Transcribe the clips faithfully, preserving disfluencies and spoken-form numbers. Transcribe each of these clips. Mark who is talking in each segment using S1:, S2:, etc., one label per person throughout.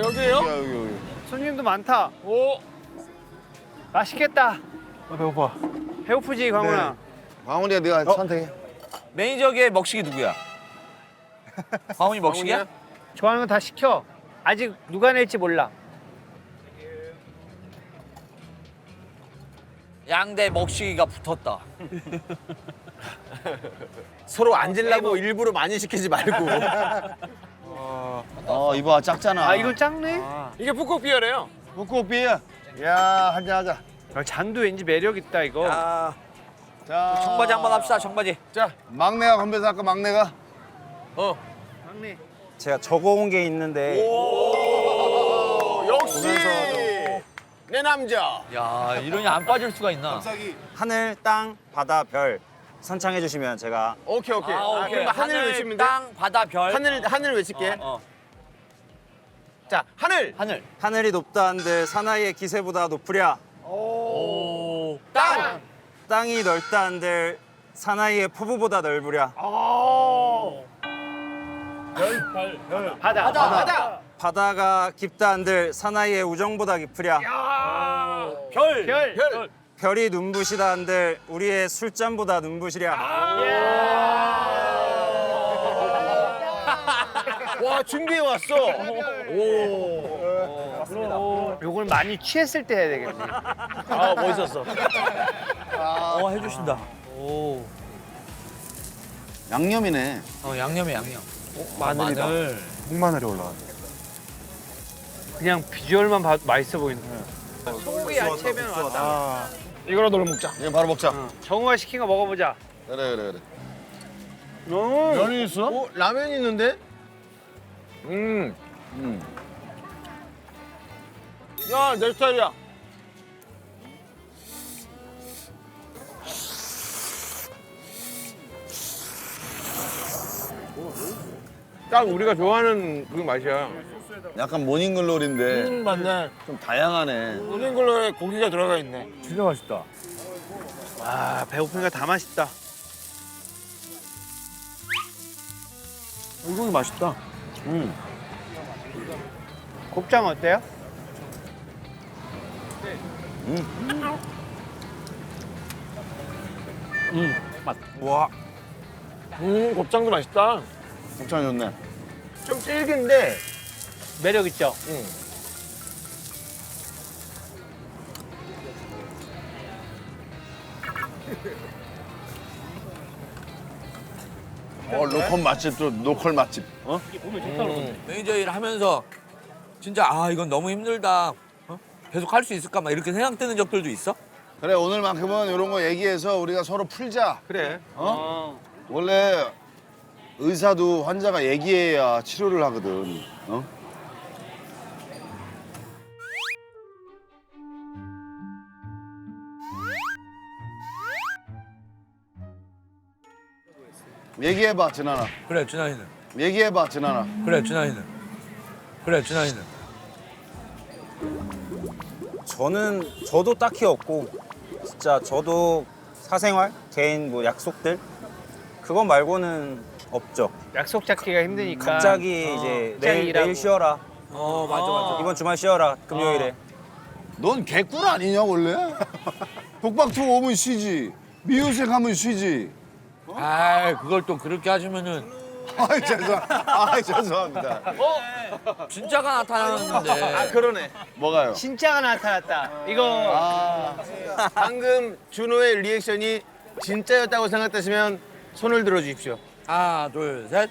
S1: 여기에요?
S2: 여기 여기 여기.
S3: 손님도 많다.
S1: 오.
S3: 맛있겠다.
S4: 아, 배고파.
S3: 배고프지, 광훈아?
S2: 광훈이가 네가 선택해.
S5: 매니저계 먹식이 누구야? 광훈이 먹식이야?
S3: 좋아하는 거 다 시켜. 아직 누가 낼지 몰라.
S5: 양대 먹식이가 붙었다.
S1: 서로 앉으려고 일부러 많이 시키지 말고.
S2: 어 이봐 작잖아.
S3: 아, 이건 작네?
S1: 이게 북극비어래요.
S2: 북극비야. 야 한잔 하자.
S3: 아, 잔도 왠지 매력 있다, 이거.
S5: 야,
S2: 자
S5: 청바지 한번 합시다. 청바지.
S1: 자,
S2: 막내가 건배사 할까 막내가?
S1: 어.
S3: 막내.
S4: 제가 적어온 게 있는데
S1: 오, 역시 내 남자.
S5: 야, 이러니 안 빠질 수가 있나?
S4: 하늘, 땅, 바다, 별 선창해 주시면 제가
S1: 오케이 오케이.
S5: 아,
S1: 아,
S5: 오케이.
S1: 그럼 하늘,
S5: 하늘,
S1: 외치면 돼?
S5: 땅, 바다, 별.
S1: 하늘 하늘 외칠게.
S5: 어, 어.
S1: 자, 하늘.
S5: 하늘.
S4: 하늘이 높다 한들 사나이의 기세보다 높으랴.
S5: 오.
S1: 땅.
S4: 땅이 넓다 한들 사나이의 포부보다 넓으랴.
S3: 바다.
S1: 바다. 바다.
S4: 바다가 깊다 한들 사나이의 우정보다 깊으랴.
S5: 별.
S3: 별.
S1: 별.
S4: 별이 눈부시다 한들 우리의 술잔보다 눈부시랴.
S1: 와, 준비해 왔어. 오.
S3: 요걸 많이 취했을 때 해야 되겠네.
S1: 아, 멋있었어.
S5: 어, 해주신다. 오.
S2: 양념이네.
S5: 어, 양념에 양념.
S4: 마늘이다.
S5: 마늘.
S4: 흑마늘이 올라가.
S3: 그냥 비주얼만 봐도 맛있어 보인다. 소고기 야채면 왔다.
S1: 이거라도 먹자.
S2: 이제 바로 먹자.
S3: 어, 정우가 시킨 거 먹어보자.
S2: 그래 그래 그래.
S1: 면이 있어? 어, 라면이 있는데? 음.
S2: 음.
S1: 야, 내 스타일이야. 딱 우리가 좋아하는 그 맛이야.
S2: 약간 모닝글로리인데
S1: 음, 맞네.
S2: 좀 다양하네.
S1: 모닝글로리에 고기가 들어가 있네.
S5: 진짜 맛있다.
S3: 아, 배고프니까 다 맛있다.
S5: 이거 맛있다.
S2: 음.
S3: 곱창 어때요?
S4: 와.
S1: 음, 곱창도 맛있다.
S2: 곱창 좋네.
S1: 좀 질긴데.
S3: 매력 있죠?
S1: 응.
S2: 어 로컬 맛집 또 로컬 맛집. 어?
S5: 매니저 일 하면서 진짜 아 이건 너무 힘들다. 어? 계속 할 수 있을까 막 이렇게 생각되는 적들도 있어?
S2: 그래 오늘만큼은 이런 거 얘기해서 우리가 서로 풀자.
S3: 그래.
S2: 어? 원래 의사도 환자가 얘기해야 치료를 하거든. 어? 얘기해봐 진아나.
S5: 그래 준하이는.
S2: 얘기해봐 진아나.
S5: 그래 준하이는. 그래 준하이는.
S4: 저는 저도 딱히 없고 진짜 저도 사생활, 개인 뭐 약속들 그거 말고는 없죠.
S3: 약속 잡기가 힘드니까.
S4: 갑자기
S3: 어,
S4: 이제
S3: 갑자기
S4: 내일,
S3: 일하고.
S4: 내일 쉬어라.
S5: 어 맞아 맞아.
S4: 이번 주말 쉬어라. 금요일에.
S2: 넌 개꿀 아니냐 원래? 독박투 오면 쉬지. 미우새 가면 쉬지.
S5: 아 그걸 또 그렇게 하시면은
S2: 아이 죄송. 아이 죄송합니다.
S5: 진짜가 나타나는데.
S1: 아, 그러네.
S2: 뭐가요?
S3: 진짜가 나타났다. 이거
S2: 아
S1: 방금 준호의 리액션이 진짜였다고 생각되시면 손을 들어주십시오.
S5: 하나 둘 셋.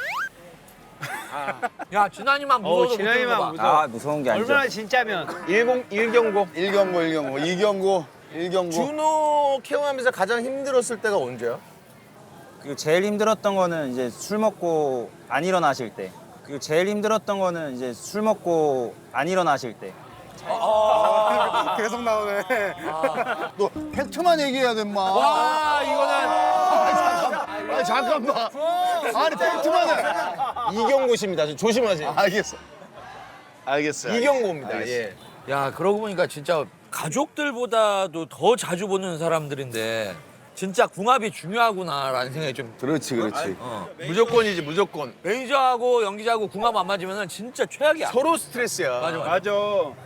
S5: 야 준하이만
S3: 어우,
S5: 무서워서
S3: 진하이만
S5: 못
S3: 무서워.
S4: 아 무서운 게 아니죠.
S3: 얼마나 진짜면.
S1: 일공 일경고.
S2: 일경고 일경고 이경고 일경고.
S1: 준호 케어하면서 가장 힘들었을 때가 언제야?
S4: 그리고 제일 힘들었던 거는 이제 술 먹고 안 일어나실 때. 그리고 제일 힘들었던 거는 이제 술 먹고 안 일어나실 때.
S2: 계속 나오네. 너 팩트만 얘기해야 돼, 마.
S5: 와 이거는
S2: 아니, 잠깐만. 아니, 팩트만 해.
S1: 이경고 씨입니다. 조심하세요.
S2: 알겠어. 알겠어.
S1: 이경고입니다.
S2: 알겠어.
S1: 예.
S5: 야 그러고 보니까 진짜 가족들보다도 더 자주 보는 사람들인데 진짜 궁합이 중요하구나라는 생각이 좀.
S2: 그렇지 그렇지.
S5: 어.
S1: 무조건이지 무조건.
S5: 매니저하고 연기자하고 궁합 안 맞으면 진짜 최악이야.
S1: 서로 스트레스야.
S5: 맞아 맞아.
S3: 맞아.
S5: 어?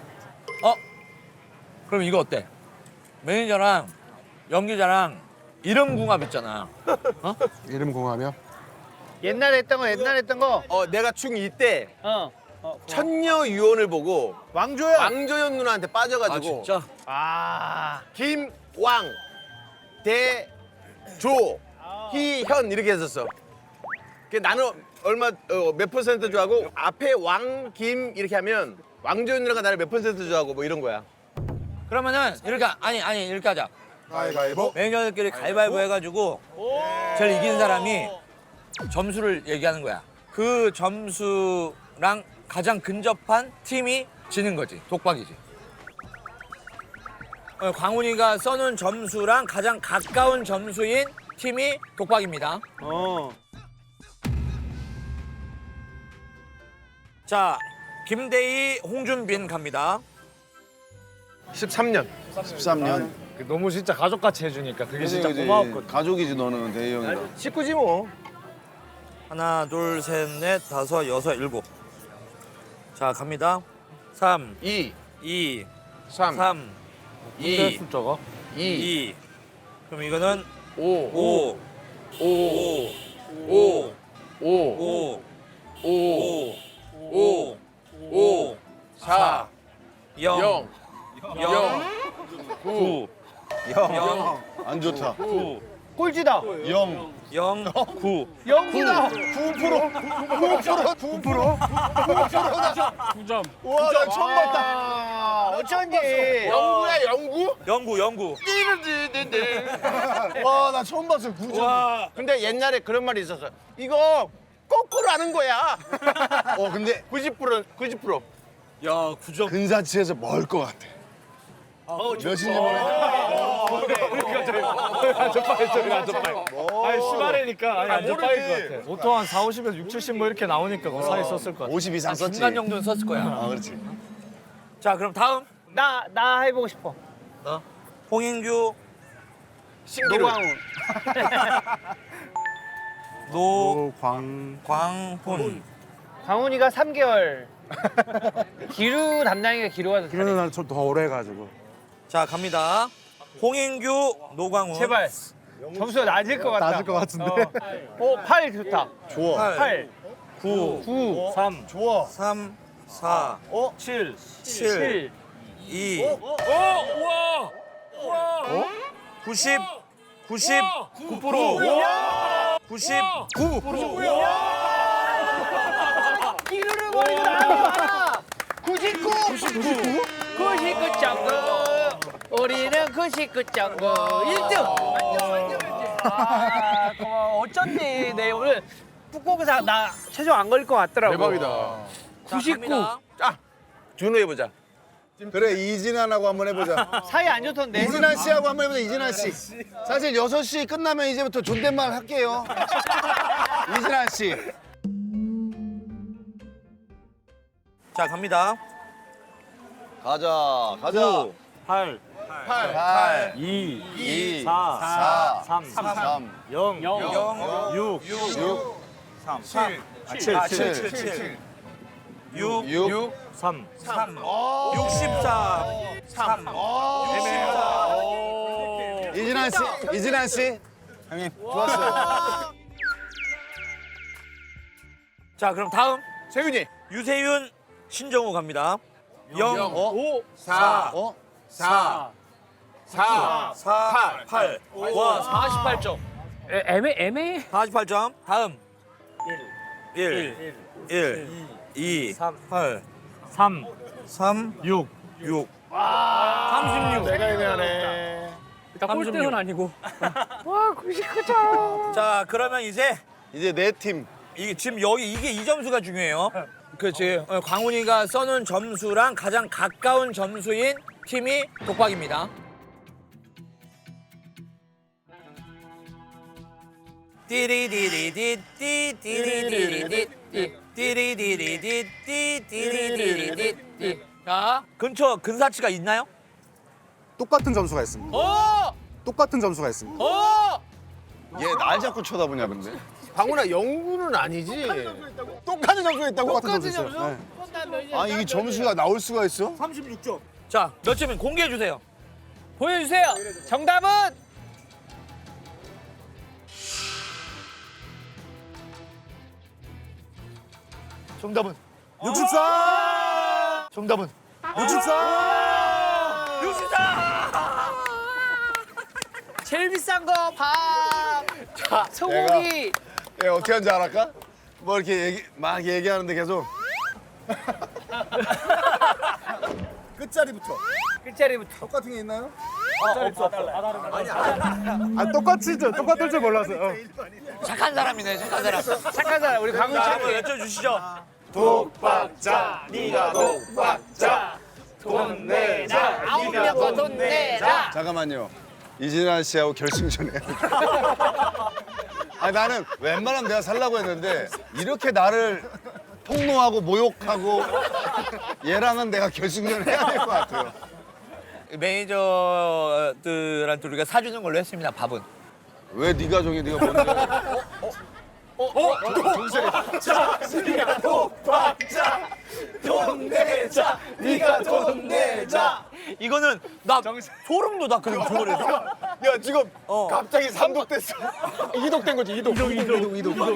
S5: 그럼 이거 어때? 매니저랑 연기자랑 이름 궁합 있잖아.
S1: 이름 공하며?
S3: 옛날에 했던 거 옛날에 했던 거.
S1: 어 내가 중이 때
S3: 어. 어.
S1: 천녀 유언을 보고
S3: 왕조야.
S1: 왕조연 누나한테
S5: 아
S1: 빠져가지고
S5: 진짜?
S3: 아.
S1: 김왕 대조 희현 이렇게 했었어. 그 나는 얼마 어, 몇 퍼센트 좋아하고 앞에 왕 김 이렇게 하면 왕조연 누나가 나를 몇 퍼센트 좋아하고 뭐 이런 거야.
S5: 그러면은 이렇게 아니 아니 이렇게 하자.
S1: 가위바위보.
S5: 매니저들끼리 가위바위보 해가지고 제일 이긴 사람이 점수를 얘기하는 거야. 그 점수랑 가장 근접한 팀이 지는 거지. 독박이지. 어, 광훈이가 써놓은 점수랑 가장 가까운 점수인 팀이 독박입니다.
S3: 어.
S5: 자, 김대희, 홍준빈 갑니다.
S1: 십삼 년.
S2: 십삼 년.
S3: 너무 진짜 가족같이 해주니까 그게
S2: 그지,
S3: 진짜
S2: 그지.
S3: 고마웠거든.
S2: 가족이지 너는 대희 형이랑.
S1: 식구지 뭐.
S5: 하나, 둘, 셋, 넷, 다섯, 여섯, 일곱. 자, 갑니다. 삼,
S1: 이,
S5: 이,
S1: 삼,
S5: 삼,
S3: 이
S5: 이,
S3: 숫자가?
S1: 이,
S5: 이. 그럼 이거는
S1: 오,
S5: 오,
S1: 오,
S5: 오,
S1: 오, 오,
S5: 오,
S1: 오,
S5: 오, 오,
S1: 사,
S5: 영,
S1: 영,
S5: 영, 구, 영,
S2: 안 좋다.
S5: 구,
S3: 꼴찌다.
S2: 영.
S5: 영, 구.
S3: 영구다.
S2: 구 퍼센트. 구 퍼센트. 구 퍼센트.
S3: 구 점.
S2: 와, 나 처음 봤다.
S3: 아, 어쩐지.
S1: 영구야 영구?
S5: 영구, 영구.
S2: 와, 나 처음 봤어. 구 점.
S1: 와. 근데 옛날에 그런 말이 있었어. 이거 거꾸로 하는 거야.
S2: 어, 근데
S1: 구십 퍼센트, 구십 퍼센트.
S5: 야, 구 점.
S2: 근사치에서 멀 것 같아. 몇인지 모르겠어.
S3: 아니 시발이니까 아니 안 접박일 것 같아. 보통 한 사, 오십에서 육, 칠십 뭐 이렇게 나오니까 그 사이 썼을 것 같아.
S2: 오십 이상 썼지.
S5: 중간 정도는 썼을 거야.
S2: 아, 그렇지.
S5: 자, 그럼 다음.
S3: 나 나 해보고 싶어.
S5: 홍인규,
S1: 신기루.
S5: 노광, 광훈.
S3: 광훈이가 삼 개월. 기루 담당이가 기루가 더 잘해.
S6: 그러는 난 좀 더 오래 해가지고.
S5: 자, 갑니다. 홍인규, 노광훈.
S3: 제발. 점수가 낮을 것 같다.
S6: 낮을 것 같은데.
S3: 어, 팔 좋다.
S2: 좋아.
S5: 팔,
S3: 팔,
S5: 구,
S3: 구, 삼,
S2: 좋아.
S5: 삼, 사,
S2: 어?
S3: 칠,
S5: 칠,
S3: 칠.
S5: 이. 어? 우와! 우와! 구십, 구십, 구 퍼센트. 구십, 구 퍼센트.
S3: 기루를 버리고 나가. 구십구. 구십구. 구십구 점 구. 우리는 구십구 점 구. 일 등. 아, 고마워. 어쩐지 내 오늘 북곡에서 나 최종 안 걸릴 것 같더라고.
S1: 대박이다.
S3: 구십구.
S1: 자, 준호 해보자.
S2: 그래, 이진환하고 한번 해보자.
S3: 사이 안 좋던데.
S2: 이진환 씨하고 한번 해보자, 이진환 씨. 사실 여섯 시 끝나면 이제부터 존댓말 할게요. 이진환 씨.
S5: 자, 갑니다.
S2: 가자, 가자.
S3: 팔,
S2: 팔, 팔,
S3: 이,
S2: 이,
S3: 사,
S2: 사,
S3: 삼,
S2: 삼,
S3: 영,
S5: 영,
S3: 육,
S2: 육,
S5: 삼,
S2: 칠,
S5: 칠,
S2: 칠,
S5: 칠, 칠, 육,
S2: 육,
S3: 삼.
S5: 삼, 육십사, 삼, 육십사.
S2: 이진환 씨, 이진환 씨. 형님, 좋았어요.
S5: 자, 그럼 다음
S1: 세윤이.
S5: 유세윤, 신정우 갑니다. 영,
S2: 오,
S1: 사,
S2: 어?
S1: 사, 사,
S5: 사, 팔. 와,
S3: 사십팔 점. 애매 애매.
S5: 사십팔 점. 다음. 일, 일, 이, 팔,
S3: 삼,
S5: 삼,
S3: 육.
S5: 육.
S3: 삼십육.
S1: 내가 애매하네.
S3: 일단 꼴등은 아니고. 와, 구십구 점.
S5: 자, 그러면 이제
S2: 이제 네 팀.
S5: 이게 지금 여기 이게 이 점수가 중요해요. 그렇지. 어, 광훈이가 써놓은 점수랑 가장 가까운 점수인 팀이 독박입니다. 띠리디리디띠 띠리디리디띠 띠리디리디띠 띠리디리디띠. 자, 근처 근사치가 있나요?
S6: 똑같은 점수가 있습니다.
S5: 오!
S6: 똑같은 점수가 있습니다.
S3: 어!
S2: 얘 날 자꾸 쳐다보냐 근데.
S1: 광훈아 영구는 아니지.
S2: 똑같은 점수가 있다고?
S6: 똑같은
S3: 똑같은
S6: 점수 있어요.
S3: 점수?
S6: 네.
S2: 아 이게 점수가 나올 수가 있어?
S5: 자, 몇 점인 공개해 주세요.
S3: 보여주세요. 정답은
S6: 정답은 육십사. 정답은 육십사.
S5: 육십사!
S3: 제일 비싼 거 밥. 자, 소고기.
S2: 얘 어떻게 하는지 알았까? 뭐 이렇게 얘기, 막 얘기하는데 계속 끝자리부터
S3: 끝자리부터.
S6: 똑같은 게 있나요? 아 똑같이 똑같을 줄 몰랐어요. 어.
S5: 착한 사람이네, 착한 사람.
S3: 착한 사람 우리 강훈
S5: 자,
S3: 씨.
S5: 한번 여쭤주시죠.
S1: 독박자, 네가 독박자. 돈 내자.
S3: 아홉 명 거 돈 내자.
S2: 잠깐만요. 이진환 씨하고 결승전에. 아 나는 웬만하면 내가 살라고 했는데 이렇게 나를 폭로하고 모욕하고 얘랑은 내가 결승전 해야 될 것 같아요.
S5: 매니저들한테 우리가 사주는 걸로 했습니다, 밥은.
S2: 왜 네가 정해? 네가 뭔데?
S1: 네가 돈 내자.
S5: 이거는 나 소름 돋았거든, 그거에서.
S1: 야 지금 갑자기 삼독됐어. 이독된 거지 이독. 이독 이독 이독 이독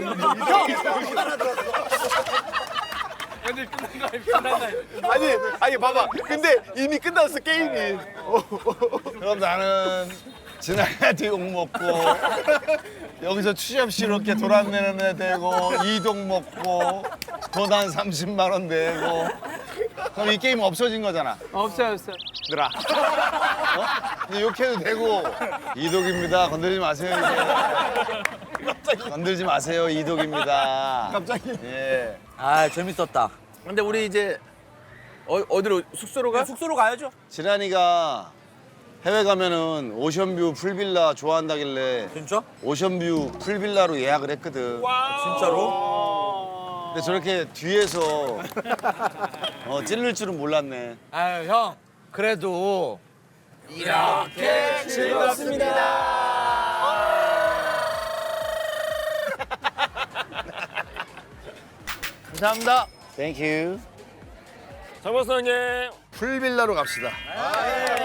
S1: 아니 아니 봐봐. 근데 이미 끝났어 게임이.
S2: 그럼 나는 진아한테 욕 먹고 여기서 취업시럽게 돌아내는 애 되고 이동 먹고 돈 한 삼십만 원 내고 그럼 이 게임 없어진 거잖아.
S3: 없어요, 없어요.
S2: 들아. 어? 근데 욕해도 되고 이독입니다. 건드리지 마세요 이제. 건들지 마세요 이독입니다. 갑자기. 예.
S5: 아, 재밌었다.
S1: 근데 우리 이제 어, 어디로 숙소로 가?
S5: 숙소로 가야죠.
S2: 지란이가 해외 가면은 오션뷰 풀빌라 좋아한다길래
S5: 진짜?
S2: 오션뷰 풀빌라로 예약을 했거든.
S5: 진짜로?
S2: 근데 저렇게 뒤에서 어, 찔릴 줄은 몰랐네.
S5: 아유, 형. 그래도 이렇게
S3: 감사합니다.
S2: 땡큐.
S1: 장 박사님.
S2: 풀빌라로 갑시다.